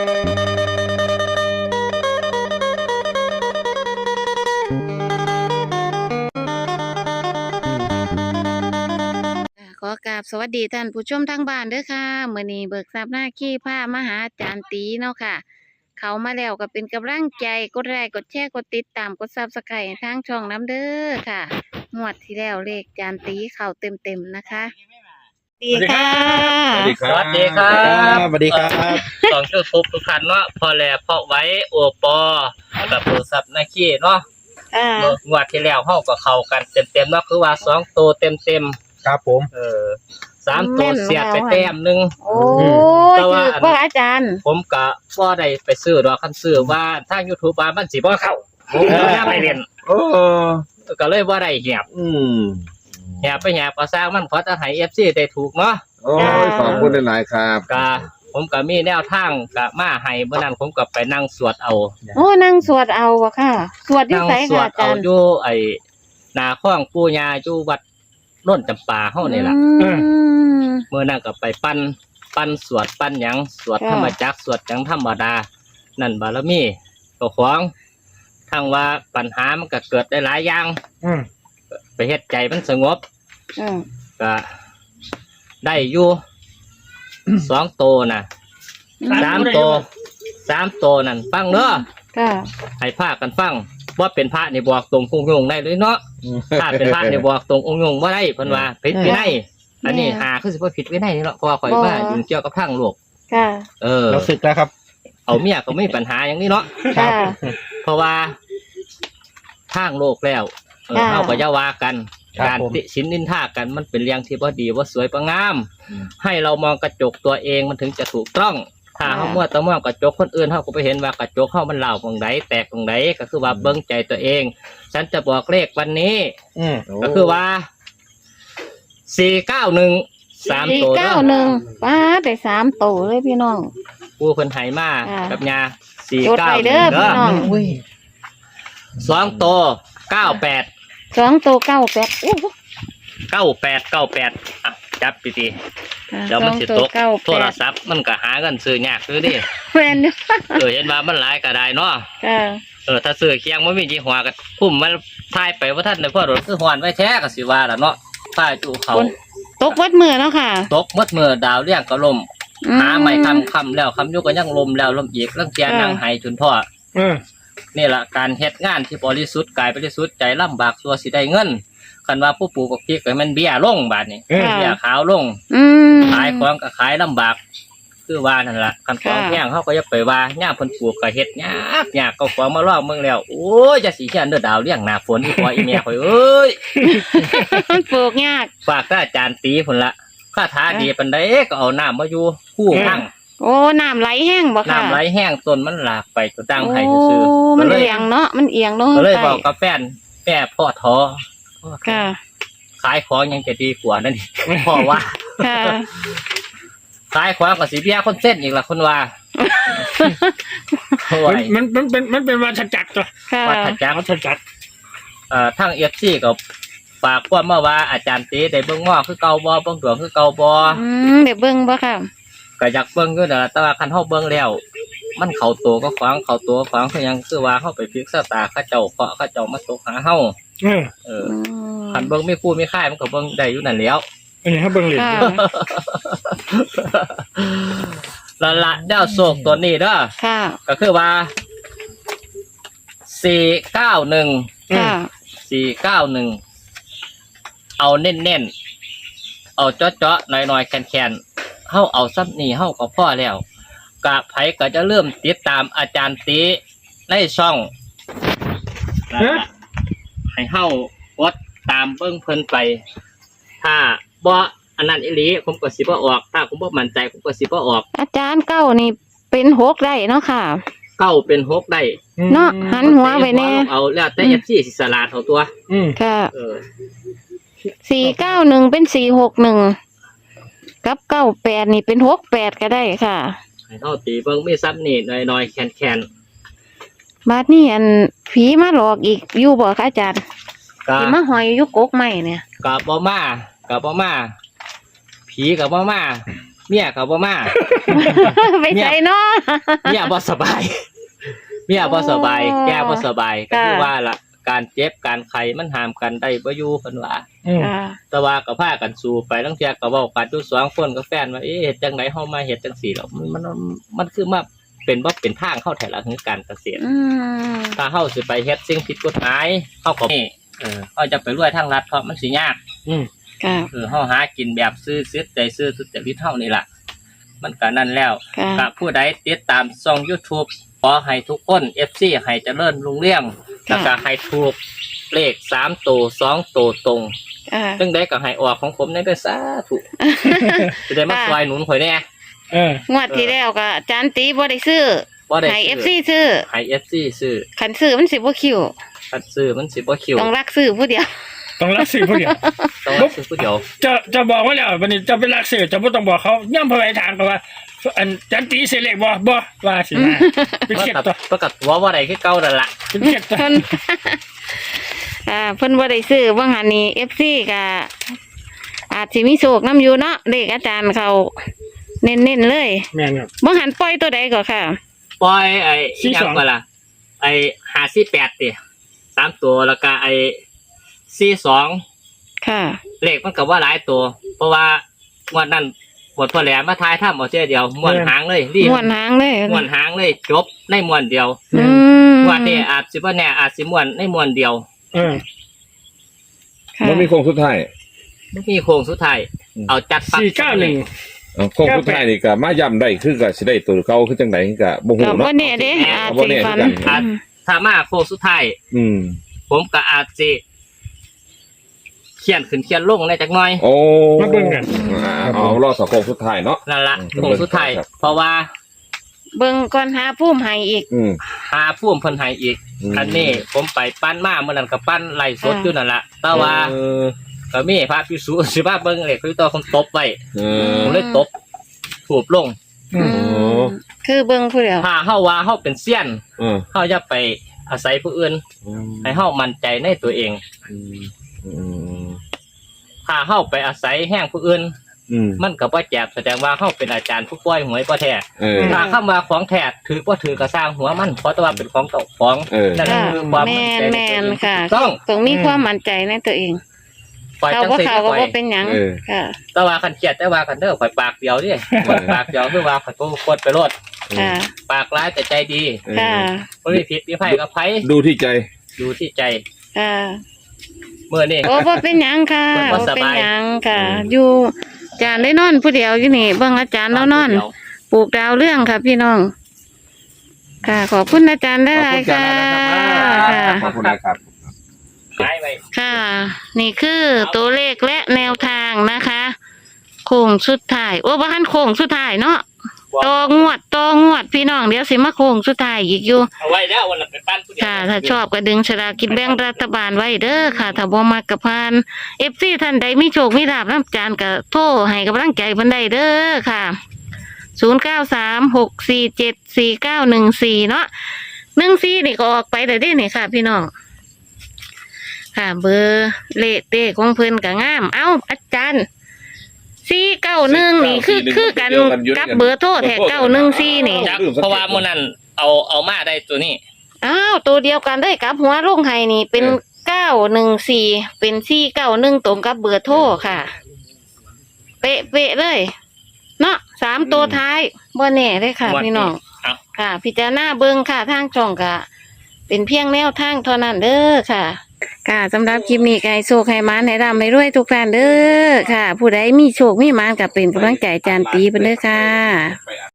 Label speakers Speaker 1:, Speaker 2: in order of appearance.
Speaker 1: ขอกราบสวัสดีท่านผู้ชมทางบ้านเด้อค่ะมื้อนี้เบิกทรัพย์หน้าขี้ผ้ามาหาอาจารย์ตีเนาะค่ะเขามาแล้วก็เป็นกำลังใจกดไลค์กดแชร์กดติดตามกดซับสไครต์ทางช่องน้ำเด้อค่ะงวดที่แล้วเลขอาจารย์ตีเข้าเต็มๆนะคะดีค่ะ
Speaker 2: สวัสดีครับ
Speaker 3: สวัสดีครับ
Speaker 2: สวัสดีครับ
Speaker 3: สองยูทูบทุกท่านเนาะพอแลพอไว้โอปอกับโทรศัพท์นาคีเนาะ
Speaker 1: อ่าง
Speaker 3: วดที่แล้วเฮาก็เข้ากันเต็มๆเนาะคือว่า2ตัวเต็ม
Speaker 2: ครับผม
Speaker 3: 3ตัวเสียดไปแต้มหนึง
Speaker 1: โอ้
Speaker 3: แต่
Speaker 1: ย
Speaker 3: ว่า
Speaker 1: ถือว่าอาจารย์
Speaker 3: ผมก็บ่ได้ไปซื้อดอกคันซื้อว่าทาง YouTube ว่ามันสิบ่เข้าผมก็ยังไม่เล่น
Speaker 2: โอ้
Speaker 3: ก็เลยบ่ได้แหบ แหบไปแหบก็สร้างมันขอจะให้ FC ได้ถูกเนาะ
Speaker 2: โอ้ยขอบคุณหลายๆครับ
Speaker 3: ก็ผมก็มีแนวทางก็มาให้เมื่อนั้นผมก็ไปนั่งสวดเอา
Speaker 1: โอ้นั่งสวดเอาวะค่ะ สวดที่
Speaker 3: นั่ง
Speaker 1: ไส
Speaker 3: สว
Speaker 1: ค่ะ
Speaker 3: ด
Speaker 1: อา
Speaker 3: เอา
Speaker 1: จารย์
Speaker 3: อยู่ไอ้นาข้องปู่ย่าอยู่วัดโน่นจำปาเฮานี่ล่ะ
Speaker 1: อืม
Speaker 3: เมื่อนั้นก็ไปปั้นสวดปั้นหยังสวด
Speaker 1: ค่ะ
Speaker 3: ธรรมจักรสวดหยังธรรมดา นั่นบารมีก็ของทั้งว่าปัญหามันก็เกิดได้หลายอย่างไปเฮ็ดใจมันสงบ
Speaker 1: อืม
Speaker 3: ก็ได้อยู่ 2ตัวน่ะ3ตัว3ตัวนั่นฟังเนาะ
Speaker 1: ค่ะ
Speaker 3: ให้พากันฟังว่าเป็นพระนี่บอกตรงคงยงได้เลยเนาะ ถ้าเป็นพระนี่บอกตรงองค์ยงว่าได้เพิ่นว่าผิดวินัยอันนี้หาคือสิบ่ผิดวินัยนี่เนาะเพราะว่าข่อยมายุ่งเกี่ยวกับทางโลก
Speaker 1: ค่ะ
Speaker 2: เราศึกแล้วครับ
Speaker 3: เอาเมียก็ไม่มีปัญหาอย่างนี้เนาะ
Speaker 1: ค่ะ
Speaker 3: เพราะว่าทางโลกแล้ว
Speaker 1: ค่ะ
Speaker 3: เฮาก็อย่าว่ากัน
Speaker 2: ครับ
Speaker 3: การ
Speaker 2: ผม
Speaker 3: ติฉินนินทากันมันเป็นเรื่องที่บ่ดีบ่สวยบ่งาม ให้เรามองกระจกตัวเองมันถึงจะถูกต้อง ถ้าเฮามัวแต่มองกระจกคนอื่นเฮาก็ไปเห็นว่ากระจกเฮามันเหล่าตรงใดแตกตรงใดก็คือว่าเบิ่งใจตัวเอง ฉันจะบอกเลขวันนี้ ก็คือว่า491 3ตัวเด้อ
Speaker 1: 491ป้าได้3โตเลยพี่น้อง
Speaker 3: ผู้เพิ่นให้มา
Speaker 1: ค่ะ
Speaker 3: กับยา
Speaker 1: จดไปเด้อ
Speaker 3: 491
Speaker 1: พี่น้อง
Speaker 3: 2ตัว98
Speaker 1: 2โต98อู้
Speaker 3: 98อ่ะจับดีๆเดี๋ยวมันสิตกโทรศัพท์มันก็หากันซื้อยากซื้อดิ
Speaker 1: แม่นอยู่
Speaker 3: เห็นว่ามันหลายก็ได้เนาะ
Speaker 1: ค่ะ
Speaker 3: ถ้าซื้อเคียงบ่มียี่ห้อก็พุ่มมันทายไปว่าท่านในพ่อรถคือหอนไว้แท้ก็สิว่าล่ะเนาะทายจูเขา
Speaker 1: ตกวัดมือเนาะค่ะ
Speaker 3: ตกหมดมือดาวเลี้ยงก็ล่ม
Speaker 1: อื
Speaker 3: หาไม่คำแล้วคำอยู่ก็ยังลมแล้วลมอีกลังเกียนั่งไห้จนพ่อนี่ล่ะการเฮ็ดงานที่บริสุทธิ์กายบริสุทธิ์ใจลำบากตัวสิได้เงินคันว่าผู้ปลูกพริกก็มันเบี้ยลงบาดนี้
Speaker 1: ค่ะ
Speaker 3: เบี้ยขาวลง
Speaker 1: อืม
Speaker 3: ขายของก็ขายลำบากคือว่านั่นล่ะคันของ
Speaker 1: ค่ะ
Speaker 3: แพงเขาก็อย่าไปว่าย่ามเพิ่นปลูกก็เฮ็ดยากก็ของมาลอกเมืองแล้วโอ้ยจะสิเขียนเด้อดาวเลี้ยงหน้าฝนอีพ่ออีแม่ข่อยเอ้ย
Speaker 1: มันปลูกยาก
Speaker 3: ฝากท่านอาจารย์ตีพุ่นละคาถาดีปานใดก็เอาน้ำมาอยู่คู่พัง
Speaker 1: โอ้น้ำไหลแห้งบ่ค่ะ
Speaker 3: น้ำไหลแห้งต้นมันหลากไปจนตั้งให้
Speaker 1: โอ้
Speaker 3: ซื่อๆ
Speaker 1: มัน
Speaker 3: ก็เลย
Speaker 1: เอียงเนาะมันเอียงลง
Speaker 3: ก็เลย
Speaker 1: ไป
Speaker 3: บอกกับแฟนแม่พ่อท้อ
Speaker 1: ค่ะ
Speaker 3: ขายของยังจะดีกว่านั่นอีก พ่อว่า
Speaker 1: ค่ะ
Speaker 3: ขายของก็สิเบี้ยคนเส้นอีกล่ะคนว่าโอ้ย
Speaker 4: มันเป็นวัฏจักรตัว
Speaker 1: ค่ะ
Speaker 3: วัฏจักร
Speaker 4: วัฏจักร
Speaker 3: ทั้งเอฟซีก็ฝากความมาว่าอาจารย์ตีได้เบิ่งง้อคือเก่าบ่เบิ่งดวงคือเก่าบ่
Speaker 1: เดี๋ยวเบิ่งบ่ค่ะ
Speaker 3: ก็อยากเบิ่งอยู่นั่นล่ะแต่ว่าคันเฮาเบิ่งแล้ว มันเข้าตัวก็ขวางเข้าตัวขวางคือหยังคือว่าเฮาไปพลิกชะตาเขาเจ้าเคาะเขาเจ้ามาตกหาเฮาคันเบิ่งมีคู่มีค่ายมันก็เบิ่งได้อยู่นั่นแหล้ว
Speaker 4: อันนี้ให้เบิ่งเหรียญ
Speaker 1: ค่ะ
Speaker 3: ละดาวโศกตัวนี้เด้อ
Speaker 1: ค่ะ
Speaker 3: ก็คือว่า491
Speaker 1: ค่ะ
Speaker 3: 491เอาเน้นๆเอาเจาะๆหน่อยๆแคนๆเฮาเอาซับนี่เฮาก็พอแล้วกะไผก็จะเริ่มติดตามอาจารย์ตีในช่องนั่นล่ะให้เฮากดตามเบิ่งเพิ่นไป ถ้าบ่อันนั้นอีหลีผมก็สิบ่ออกถ้าผมบ่มั่นใจผมก็สิบ่ออก
Speaker 1: อาจารย์เก้านี่เป็น6ได้เนาะค่ะ
Speaker 3: เก้าเป็น6ได้
Speaker 1: เนาะหันหัวไปแน่
Speaker 3: เอาแล้วแต่ FC สิสลาดเอาตัว
Speaker 1: ค่ะ
Speaker 3: เออ
Speaker 1: 491เป็น461กับ98นี่เป็น68ก็ได้ค่ะ
Speaker 3: ให้เฮาตีเบิ่งมีซับนี่หน่อยๆแคนๆ
Speaker 1: บาดนี้อันผีมาหลอกอีกอยู่บ่คะอาจารย์
Speaker 3: ก็
Speaker 1: ผีมาหอยอยู่กกไม้เนี่ย
Speaker 3: กับบ่มาผีกับบ่มาเมียก็บ่มา
Speaker 1: ไปใส่เนาะ
Speaker 3: เมียบ่สบายเมียบ่สบาย
Speaker 1: อ๋อ
Speaker 3: แกบ่สบายก็คือ
Speaker 1: ค่ะ
Speaker 3: ว่าล่ะการเจ็บการไข้มันห้ามกันได้บ่อยู่เพิ่นว่า
Speaker 4: อืม
Speaker 1: ค่ะ
Speaker 3: แต่ว่าก็พากันสู้ไปลางเที่ยก็เว้ากันอยู่2คนกับแฟนว่าเอ๊ะเฮ็ดจังไดเฮามาเฮ็ดจังซี่หรอกมันคือมาเป็นบ่เป็นทางเข้าแท้ละคือการเกษตร
Speaker 1: อืม
Speaker 3: ถ้าเฮาสิไปเฮ็ดสิ่งผิดกฎหมายเฮาก็นี่เฮาจะไปรวยทางรัฐเพราะมันสิยาก
Speaker 4: อืม
Speaker 1: ค่ะ
Speaker 3: เฮาหากินแบบซื่อสัตย์ใจซื่อสุจริตเฮานี่ล่ะมันก็นั่นแล้ว
Speaker 1: ค่ะ
Speaker 3: กับผู้ใดติดตามช่อง YouTube ขอให้ทุกคน FC ให้เจริญรุ่งเรืองแล้วก็ให้ถูกเลข3ตัว2ตัวตรง
Speaker 1: ค่ะ
Speaker 3: จังไดก็ให้ออกของผมในเด้อสาธุจะได้มาช่วยหนุนข่อยแน่
Speaker 4: เออง
Speaker 1: วดที่แล้วก็อาจารย์ตีบ่ได้ซื้อ
Speaker 3: บ่ได้
Speaker 1: ให้ FC ซื้อ
Speaker 3: ให้ FC ซื้อ
Speaker 1: คันซื้อมันสิบ่คิว
Speaker 3: คันซื้อมันสิบ่คิว
Speaker 1: ต้องรักซื้อผู้เดียว
Speaker 4: ต้องรักสื่อผู้เดียว
Speaker 3: ต้องรับซื้อผู้เดียว
Speaker 4: จะบอกว่าแล้ววันนี้จะเป็นรักสื่อจะไม่ต้องบอกเขาย่ำพอไปถามเขาว่า อันจันตีเสยเล็กบ่ว่าสินะเป็นเข็ดตัว
Speaker 3: ประกาศว่าบ่ได้คือเก่านั่นล่ะ
Speaker 4: เป็นเข็ดตัว
Speaker 1: เพิ่น เพิ่นบ่ได้ซื้อว่าหันนี้ FC ก็อาจสิมีโชคนํอยู่เนาะเลขอาจารย์เขาเน้นๆเลย
Speaker 4: แม่นครับ
Speaker 1: บ่หันปล่อยตัวใดก็ค่ะ
Speaker 3: ปล่อยไอ้
Speaker 4: 42
Speaker 3: อีหยังก็ล่ะไอ้548ติ3ตัวแล้วก็ไอ้42
Speaker 1: ค่ะ
Speaker 3: เลขมันก็ว่าหลายตัว เพราะว่างวดนั้นหมดพอแหลมมาทายถ้ำเอาเจ้เดียวม้วนหางเลยรีบ
Speaker 1: ม่วนหางเลย
Speaker 3: ม้วนหางเลยจบในม้วนเดียว
Speaker 1: อืม
Speaker 3: งวดนี้อาจสิบ่แน่อาจสิม้วนในม้วนเดียว
Speaker 4: เออ
Speaker 1: ค่ะ
Speaker 2: มันมีโครงสุดท้าย
Speaker 3: ไม่มีโค้งสุดท้ายเอาจัดปัก
Speaker 4: 491
Speaker 2: โครงสุดท้ายนี่ก็มาย้ำได้คือก็สิได้ตัวเก่าคือจังไดก็บ่ฮู้
Speaker 1: ก็บ่
Speaker 2: เนาะ
Speaker 1: แน่เด้อาจ
Speaker 2: บ่
Speaker 1: สิ
Speaker 2: แน่
Speaker 1: ฝัน
Speaker 2: คือกัน
Speaker 3: ถ้ามาโค้งสุดท้าย
Speaker 2: อืม
Speaker 3: ผมก็อาจสิเขียนขึ้นเขียนลงในจักหน่อย
Speaker 2: โอ้
Speaker 4: มาเบิ่งกัน
Speaker 2: เอารอสักโครงสุดท้ายเนาะ
Speaker 3: นั่นละ
Speaker 2: อืม
Speaker 3: โค้งสุดท้าย
Speaker 2: ครับ
Speaker 3: เพราะว่า
Speaker 1: เบิ่งก่อนหาภูมิให้อีก
Speaker 2: อืม
Speaker 3: หาผู้เพิ่นให้อีก อันนี้ผมไปปั้นมาเมื่อนั้นก็ปั้นไล่สดอยู่นั่นละแต่ว่า
Speaker 2: เออ
Speaker 3: ก็มีพระพิสุสิว่าเบิ่งเลยคือตัวคนตบไว้
Speaker 2: เอ
Speaker 3: ผม
Speaker 2: อ
Speaker 3: เลยตบถูบลง
Speaker 4: อืม
Speaker 2: โอ้
Speaker 1: คือเบิ่งผู้เดียว
Speaker 3: ถ้าเฮาว่าเฮาเป็นเซียน
Speaker 2: เออ
Speaker 3: เฮาอย่าไปอาศัยผู้อื่นให้เฮามั่นใจในตัวเอง
Speaker 2: อืม
Speaker 3: ถ้าเฮาไปอาศัยแห้งผู้อื่น
Speaker 2: อืม
Speaker 3: มันก็บ่แจกแสดงว่าเฮาเป็นอาจารย์ผู้ปล่อยหวยบ่แท้
Speaker 2: เออ
Speaker 3: ถ้าคำว่าของแท้ถือบ่ถือก็สร้างหัวมันเพราะแต่ว่าเป็นของเจ้าของ
Speaker 2: เออ
Speaker 3: นั่น
Speaker 1: ค่ะ
Speaker 3: คือความ
Speaker 1: แม
Speaker 3: มั่น
Speaker 1: น
Speaker 3: ใจ
Speaker 1: แม
Speaker 3: ในตัวน เอง
Speaker 1: ค่ะ
Speaker 3: ต้อง
Speaker 1: ต้องมีความมั่นใจในตัวเอง
Speaker 3: ปล่อย
Speaker 1: เขา
Speaker 3: จัง
Speaker 1: ก็
Speaker 3: ซี่
Speaker 1: เขาก็
Speaker 3: ปล่อย
Speaker 1: บ่เป็นหยัง
Speaker 2: เออ
Speaker 1: ค่ะ
Speaker 3: แต่ว่าคันเครียดแต่ว่ากันเด้อข่อยปากเดียวดิข่อยปากเดียวคือว่าข่อยก็กดไปโลด
Speaker 1: ค่ะ
Speaker 3: ปากร้ายแต่ใจดี
Speaker 2: เออ
Speaker 1: ค่ะ
Speaker 3: บ่มีผิดมีไผกับไผ
Speaker 2: ดูที่ใจ
Speaker 3: อยู่ที่ใจ
Speaker 1: ค่ะ
Speaker 3: มื้อนี้
Speaker 1: โอ้บ่เป็นหยังค่ะ
Speaker 3: บ่
Speaker 1: บ่
Speaker 3: ส
Speaker 1: เป็น
Speaker 3: บาย
Speaker 1: หยังค่ะ
Speaker 2: อืม
Speaker 1: อยู่อาจารย์ได้นอนผู้เดียวอยู่นี่เบิ่งอาจารย์แล้วนอน ปลูกดาวเรื่องค่ะพี่น้อง ค่ะ ขอบคุณอาจารย์ได้หลายค่ะ
Speaker 2: ขอบคุณนะครับ
Speaker 3: หายไป
Speaker 1: ค่ะ นี่คือตัวเลขและแนวทางนะคะโค้งสุดท้ายโอ้บ้านโค้งสุดท้ายเนาะตองวดพี่น้องเดี๋ยวสิมาโค้งสุดท้ายอีกอยู่
Speaker 3: เอาไว้แล้ววันละไปปั้นผู้เดียว
Speaker 1: ค่ะ ถ้าชอบก็ดึงฉลากกินแบ่งรัฐบาลไว้เด้อค่ะ ถ้าบ่มักก็ผ่าน FC ท่านใดมีโชคมีลาภนำจานก็โทรให้กำลังใจเพิ่นได้เด้อค่ะ0936474914เนาะ14นี่ก็ออกไปได้เด้นี่ค่ะ พี่น้อง ค่ะ เบอร์เลขเด้ของเพิ่นก็งาม เอ้าอาจารย์491นี่คือกันกับเบอร์โทรแท้914นี่
Speaker 3: จักเพราะว่ามื้อนั้นเอามาได้ตัวนี้
Speaker 1: อ้าวตัวเดียวกันเลยกับหัวลงไห้นี่เป็น914เป็น491ตรงกับเบอร์โทรค่ะ เป๊ะๆเลย เนาะ3ตัวท้ายบ่แน่เลยค่ะ พี่น้อง
Speaker 3: เอา
Speaker 1: ค่ะ พิจารณาเบิ่งค่ะทางช่องก็เป็นเพียงแนวทางเท่านั้นเด้อค่ะค่ะสำหรับคลิปนี้ก็ให้โชคให้หมานให้ร่ำให้รวยทุกท่านเด้อค่ะ ผู้ใดมีโชคมีหมานก็เป็นกำลังใจอาจารย์ตีเพิ่นเด้อค่ะ